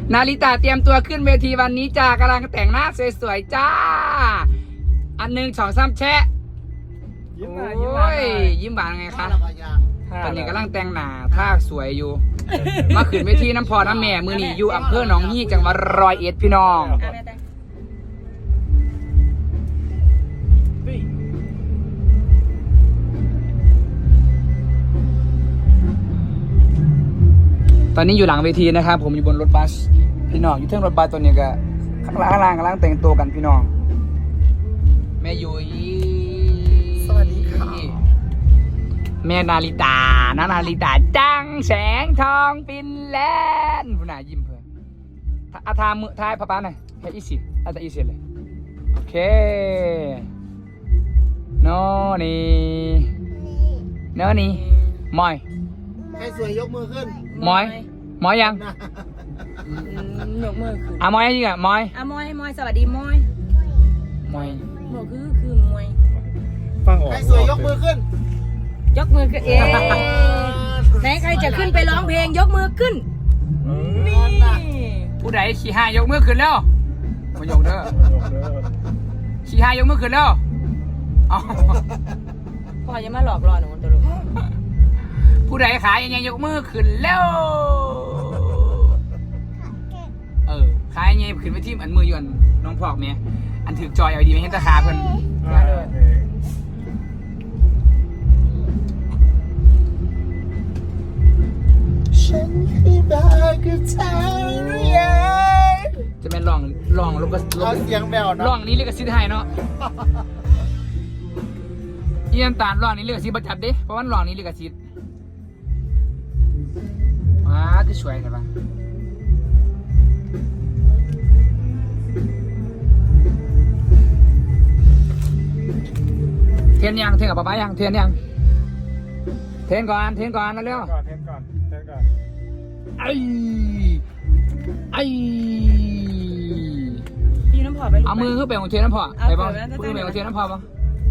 นาริตาเตรียมตัวขึ้นเวทีวันนี้จ้ากำลังแต่งหน้าสวยๆจ้าอันหนึ่งสองสามแชะยิ้มหวานยิ้มหวานไงคะตอนนี้กำลังแต่งหน้าท่าสวยอยู่มาขึ้นเวทีน้ำพอน้ำแม่มือนี่อยู่อำเภอหนองฮีจังหวัดร้อยเอ็ดพี่น้องตอนนี้อยู่หลังเวทีนะครับผมอยู่บนรถบัสพี่น้องอยู่เทิงรถบัสตัวนี้ก็ข้างล่างกำลังแต่งตัวกันพี่น้องแม่ยุ้ยสวัสดีค่ะแม่นาริตานาริตาจังแสงทองฟินแลนด์ผู้น่ายิ้มเพื่อนอาทามือทายป้าหน่อยให้อีสิอาตาอีสิเลยโอเคโน่นี่มอยใครสวยยกมือขึ้นมอยยังยกมือขึ้นมอยยังมอยมอยสวัสดีมอยคือมวยฟังออกใครสวยยกมือขึ้นยกมือขึ้นไหนใครจะขึ้นไปร้องเพลงยกมือขึ้นนี่ผู้ใดขี่ห้ายกมือขึ้นแล้วมายกเด้อขี่ห้ายกมือขึ้นแล้วพ่ออย่ามาหลอกล่อหนูตัวลูกผู้ใดขายยังยกมือขึ้นแล้วขายยังขึ้นไปที่อันมือยวนน้องพอกเนี่ยอันถือจอยเอาดีไม่เห็นตาขาเพิ่นฉันคือบ้ากับเธอจะเป็นลองลูกก็เอาเสียงแมวนะลองนี้เรียกสิทธิ์ให้เนาะยี่น้ำตาลลองนี้เรียกสิทธิ์ประจับดิเพราะว่าลองนี้เรียกสิทธิ์จะสวยใช่ปะเทียนยังเทียนกับป๊ายังเทียนยังเทียนก่อนนะเร็วเทียนก่อนไอ้พี่น้ำพอไปเอามือขึ้นไปของเทียนน้ำพอไปบ้างมือไปของเทียนน้ำพอบ้าง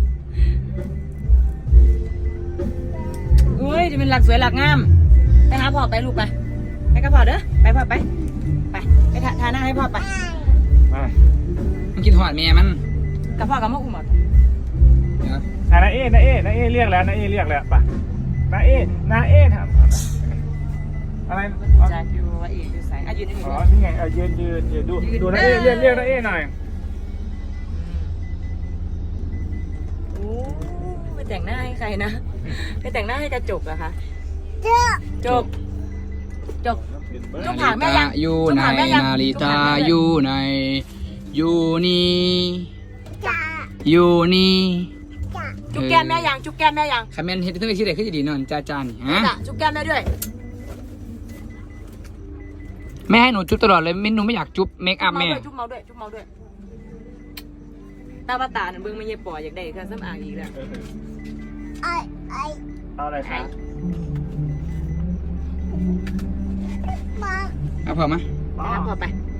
อุ้ยจะเป็นหลักสวยหลักงามไปหาพ่อไปลูกไปกับพ่อเด้อไปพ่อไปทาหน้าให้พ่อไปมันกินหอดแม่มันกับพ่อกับแม่อุ้มหมดนาเอเรียกแล้วนาเอเรียกแล้วป่ะนาเอถามอะไรจะอยู่ว่าอีกอยู่สายยืนอ๋อนี่ไงยืนดูนาเอเรียกนาเอหน่อยโอ้ไปแต่งหน้าให้ใครนะไปแต่งหน้าให้กระจกเหรอคะจบผ่านแม่ยังอยู่ในนาฬิกาอยู่ในอยู่นี่จุ๊บแก้มแม่ยังคอมเมนต์เห็นทุกที่ไหนขึ้นจะดีนอนจ้านี่ฮะจุ๊บแก้มแม่ด้วยแม่ให้หนูจุ๊บตลอดเลยหนูไม่อยากจุ๊บเมคอัพแม่จุ๊บเมาด้วยตาตาเบิ่งไม่เย็บปออยากได้เครื่องสำอางอีกแล้วเอาอะไรคะเอาพอมาพอไป